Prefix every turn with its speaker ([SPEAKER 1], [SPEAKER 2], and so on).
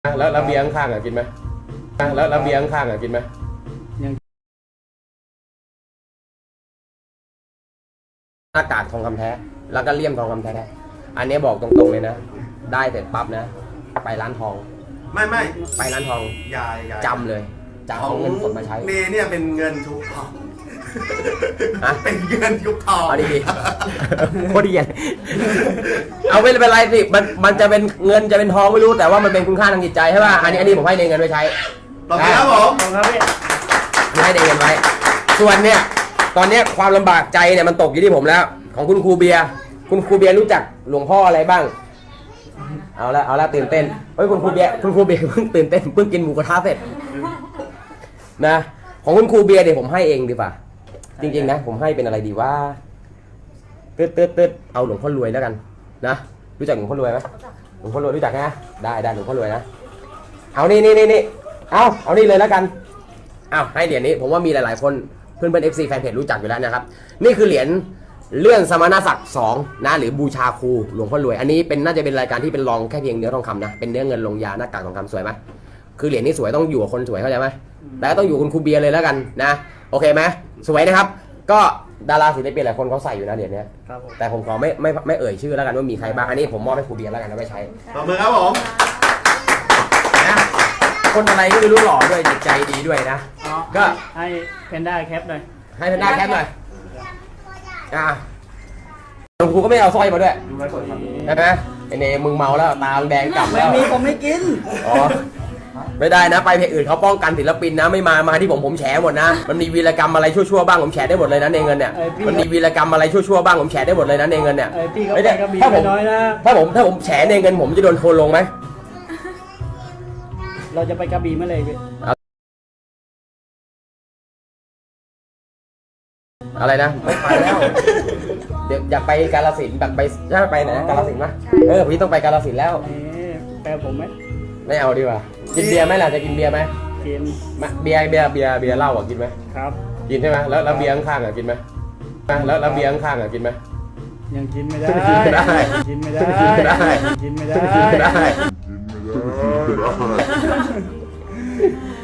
[SPEAKER 1] แล้วเบียร์ข้างๆกินไหมแล้วเบียร์ข้างๆกินไหมหน้ากากทองคำแท้แล้วก็เลี่ยมทองคำแท้อันนี้บอกตรงๆเลยนะได้เสร็จปั๊บนะไปร้านทอง
[SPEAKER 2] ไม่
[SPEAKER 1] ไปร้านทอง
[SPEAKER 2] อย่า
[SPEAKER 1] จำเลยจะเอาเงินสดมาใช้
[SPEAKER 2] เนเนี่ยเป็นเงินทุกทองเป็นเงินยุคทอง
[SPEAKER 1] เอาดีๆโคตรดีเอาไม่เป็นไรสิมันจะเป็นเงินจะเป็นทองไม่รู้แต่ว่ามันเป็นคุณค่าทางจิตใจใช่ป่ะอันนี้ผมให้เงินไว้ใช้
[SPEAKER 2] ต่อไปครับผม
[SPEAKER 1] ครับพี่ให้เงินไว้ส่วนเนี่ยตอนนี้ความลำบากใจเนี่ยมันตกอยู่ที่ผมแล้วของคุณครูเบียร์รู้จักหลวงพ่ออะไรบ้างเอาละตื่นเต้นเฮ้ยคุณครูเบียร์เพิ่งตื่นเต้นเพิ่งกินหมูกระทะเสร็จนะของคุณครูเบียร์เดี๋ยวผมให้เองดีป่ะจริงๆนะผมให้เป็นอะไรดีว่าตึ๊ดเอาหลวงพ่อรวยแล้วกันนะรู้จักหลวงพ่อรวยไหมหลวงพ่อรวยรู้จักนะได้หลวงพ่อรวยนะเอานี่เอานี่เลยแล้วกันเอาให้เหรียญนี้ผมว่ามีหลายๆคนเพื่อนๆ FC แฟนเพจรู้จักอยู่แล้วนะครับนี่คือเหรียญเลื่อนสมณศักดิ์2นะหรือบูชาครูหลวงพ่อรวยอันนี้เป็นน่าจะเป็นรายการที่เป็นรองแค่เพียงเนื้อทองคำนะเป็นเนื้อเงินลงยาหน้ากากทองคำสวยไหมคือเหรียญนี้สวยต้องอยู่กับคนสวยเข้าใจไหมแล้วต้องอยู่คุณครูเบียร์เลยแล้วกันนะโอเคไหมสวยนะครับก็ดาราศิลปินหลายคนเขาใส่อยู่นะเหรียญนี้แต่ผมขอไม่เอ่ยชื่อแล้วกันว่ามีใครบ้างอันนี้ผมมอบให้ครูเบียร์แล้วกันเอาไปใช้
[SPEAKER 2] ต่อมือครับผม
[SPEAKER 1] นะคนอะไรก็ไม่รู้หล่อด้วยจิตใจดีด้วยนะก็
[SPEAKER 3] ให้เพนด้าแคปหน่อย
[SPEAKER 1] ให้เพนด้าแคปหน่อยหลวงครูก็ไม่เอาสร้อยมาด้วยใช่ไหมไอเนมึงเมาแล้วตาแดงกลับแล้ว
[SPEAKER 3] ไม่มีผมไม่กิน
[SPEAKER 1] อ๋อไม่ได้นะไปเพจอื่นเขาป้องกันศิลปินนะไม่มาที่ผมแฉหมดนะมันมีวีรกรรมอะไรชั่วๆบ้างผมแฉได้หมดเลยนะในเงินเนี่ยมันมีวีรกรรมอะไรชั่วๆบ้างผมแฉได้หมดเลยนะในเงินเนี่ย
[SPEAKER 3] ไม่ได้ถ้
[SPEAKER 1] าผมแฉในเงินผมจะโดนโทรลงไหม
[SPEAKER 3] เราจะไปกระบี่เมื่อไหร่พี่
[SPEAKER 1] อะไรนะไม่ไปแล้วเดี๋ยวอยากไปกาฬสินธุ์แบบไปใช่ไปไหนกาฬสินธุ์ไหมพี่ต้องไปกาฬสินธุ์แล้ว
[SPEAKER 3] แปลผมไหม
[SPEAKER 1] ไม่เอาดีกว่ากินเบียร์ไหมล่ะจะกินเบียร์ไหม
[SPEAKER 3] กิน
[SPEAKER 1] เบียร์เหล้ากินไหม
[SPEAKER 3] ครับ
[SPEAKER 1] กินใช่ไหมแล้วเบียร์ข้างๆกินไหมแล้วเบียร์ข้างๆกินไหม
[SPEAKER 3] ยังกินไม่ได้
[SPEAKER 1] กินไม่
[SPEAKER 3] ได้
[SPEAKER 1] กินไม่ได้